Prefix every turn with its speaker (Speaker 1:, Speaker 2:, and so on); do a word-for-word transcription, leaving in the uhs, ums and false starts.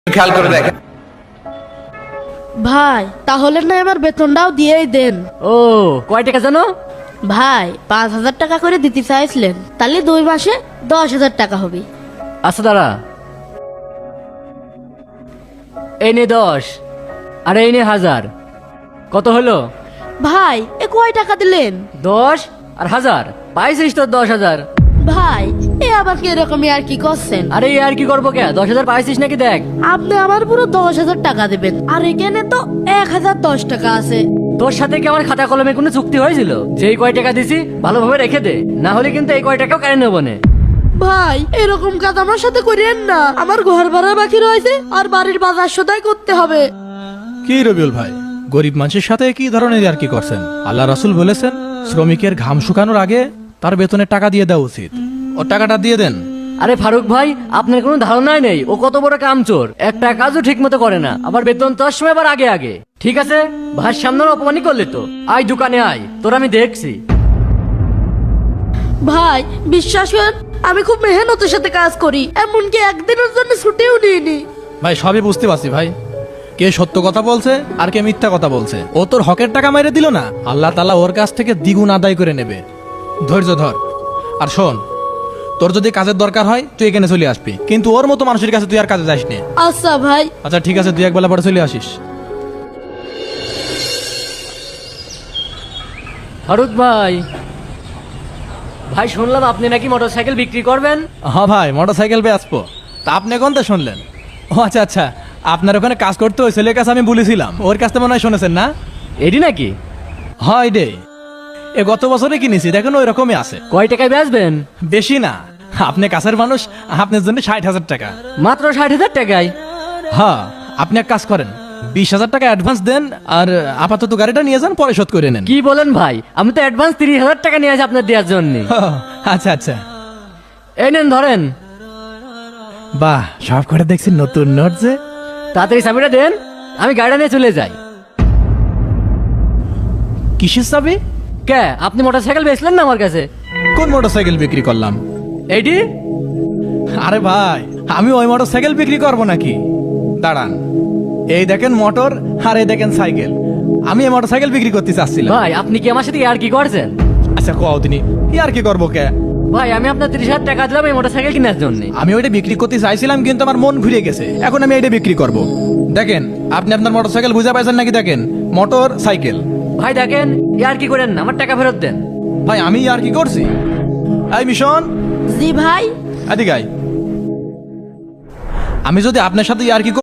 Speaker 1: খেয়াল করে দেখেন
Speaker 2: ভাই তাহলে না আমার বেতনটাও দিয়েই দেন।
Speaker 3: ও কয় টাকা জানো?
Speaker 2: ভাই পাঁচ হাজার টাকা করে দিতে চাইছিলেন, তাহলে দুই মাসে দশ হাজার টাকা হবে।
Speaker 3: আচ্ছা দাঁড়া, এই নে দশ আর এই নে হাজার, কত হলো?
Speaker 2: ভাই এ কয় টাকা দিলেন?
Speaker 3: দশ আর হাজার, পাইছিস তোর দশ হাজার।
Speaker 2: ভাই এ আবার কি এরকমই আর কি করছেন?
Speaker 3: আরে আর কি করবো কে, দশ হাজার পাইছিস নাকি দেখ।
Speaker 2: আপনি আমার পুরো দশ হাজার টাকা দেবেন, আর এখানে তো এক হাজার দশ টাকা আছে।
Speaker 3: তোর সাথে কি আমার খাতা কলমে কোনো চুক্তি হয়েছিল যে এই কয় টাকা দিছি ভালোভাবে রেখে দে, না হলে কিন্তু এই কয় টাকাও কেন নেবো না।
Speaker 2: ভাই এরকম কাজ আমার সাথে করিয়েন না, আমার ঘর ভাড়া বাকি রয়েছে আর বাড়ির বাজার সদাই করতে হবে।
Speaker 4: কি রবিউল ভাই, গরিব মানুষের সাথে কি ধরনের আর কি করছেন? আল্লাহ রাসূল বলেছেন শ্রমিকের ঘাম শুকানোর আগে তার বেতনের টাকা দিয়ে দেওয়া উচিত। ও টাকাটা দিয়ে দেন।
Speaker 3: আরে ফারুক ভাই, আপনার কোনো ধারণাই নেই ও কত বড় কামচোর, একটা কাজও ঠিক মতো করে না, আবার বেতন তোর সময় আবার আগে আগে। ঠিক আছে ভাইয়ের সামনে অপমানই করলে তো, আয় দোকানে আয়, তোর আমি দেখছি।
Speaker 2: ভাই বিশ্বাস করেন আমি খুব মেহনতের সাথে কাজ করি, এমনকি একদিনের জন্য ছুটিও নিইনি।
Speaker 4: ভাই সবই বুঝতে পারছি ভাই, কে সত্য কথা বলছে আর কে মিথ্যা কথা বলছে। ও তোর হকের টাকা মেরে দিল না, আল্লাহ তাআলা ওর কাছ থেকে দ্বিগুণ আদায় করে নেবে। ধৈর্য ধর, আর শোন, তোর যদি কাজের দরকার হয় তুই এখানে চলে আসবি, কিন্তু ওর মতো মানুষের কাছে তুই আর কাজে যাস না।
Speaker 2: আচ্ছা ভাই।
Speaker 4: আচ্ছা ঠিক আছে, তুই একবেলা পরে চলে আসিস।
Speaker 3: ফারুক ভাই, ভাই শুনলাম আপনি নাকি মোটরসাইকেল বিক্রি করবেন।
Speaker 4: হ্যাঁ ভাই, মোটর সাইকেল পেয়ে আসবো। তা আপনি কোন তো শুনলেন? ও আচ্ছা আচ্ছা, আপনার ওখানে কাজ করতে ওই ছেলের কাছে আমি বলেছিলাম, ওর কাছ থেকে মনে হয় শুনেছেন না?
Speaker 3: এডি নাকি?
Speaker 4: হয় রে, এ গত বছরে কিনেছি, দেখেন ওই রকমই আছে।
Speaker 3: কয় টাকায় বেচবেন?
Speaker 4: বেশি না, আপনি কাছের মানুষ, আপনার জন্য ষাট হাজার টাকা।
Speaker 3: মাত্র ষাট হাজার টাকায়?
Speaker 4: হ্যাঁ, আপনি এক কাজ করেন, বিশ হাজার টাকা অ্যাডভান্স দেন, আর আপাতত গাড়িটা নিয়ে যান, পরে শোধ করে নেন।
Speaker 3: কি বলেন ভাই, আমি তো অ্যাডভান্স তিরিশ হাজার টাকা নিয়ে আসি আপনার দেওয়ার জন্য।
Speaker 4: আচ্ছা আচ্ছা,
Speaker 3: এই নেন ধরেন।
Speaker 4: বাহ, সব করে দেখছি নতুন নোট যে।
Speaker 3: তাড়াতাড়ি চাবিটা দেন, আমি গাড়িটা নিয়ে চলে যাই।
Speaker 4: কিসের চাবি?
Speaker 3: কে, আপনি মোটরসাইকেল বেচলেন না আমার কাছে?
Speaker 4: কোন মোটর সাইকেল বিক্রি করলাম?
Speaker 3: এইটি?
Speaker 4: আরে ভাই, আমি ওই মোটর সাইকেল বিক্রি করবো নাকি? দাঁড়ান, এই দেখেন মোটর, আর এই দেখেন সাইকেল, আমি এই মোটর সাইকেল বিক্রি করতে চাচ্ছিলাম।
Speaker 3: ভাই আপনি কি আমার সাথে আর কি করছেন?
Speaker 4: আচ্ছা কও তিনি, কি আর কি করবো কে?
Speaker 3: ভাই আমি আপনার তিরিশ হাজার টাকা দিলাম এই মোটরসাইকেল কেনার জন্য।
Speaker 4: আমি ওইটা বিক্রি করতে চাইছিলাম, কিন্তু আমার মন ঘুরে গেছে, এখন আমি এটা বিক্রি করব। দেখেন, আপনি আপনার মোটর সাইকেল বুঝে পাইছেন নাকি? দেখেন, মোটর সাইকেল।
Speaker 3: ভাই দেখেন, আর কি করেন না, আমার টাকা ফেরত দেন।
Speaker 4: ভাই আমি আর কি করছি? এই মিশন,
Speaker 2: জি ভাই।
Speaker 4: এদিকে আয়। আমি যদি আপনার সাথে আর কি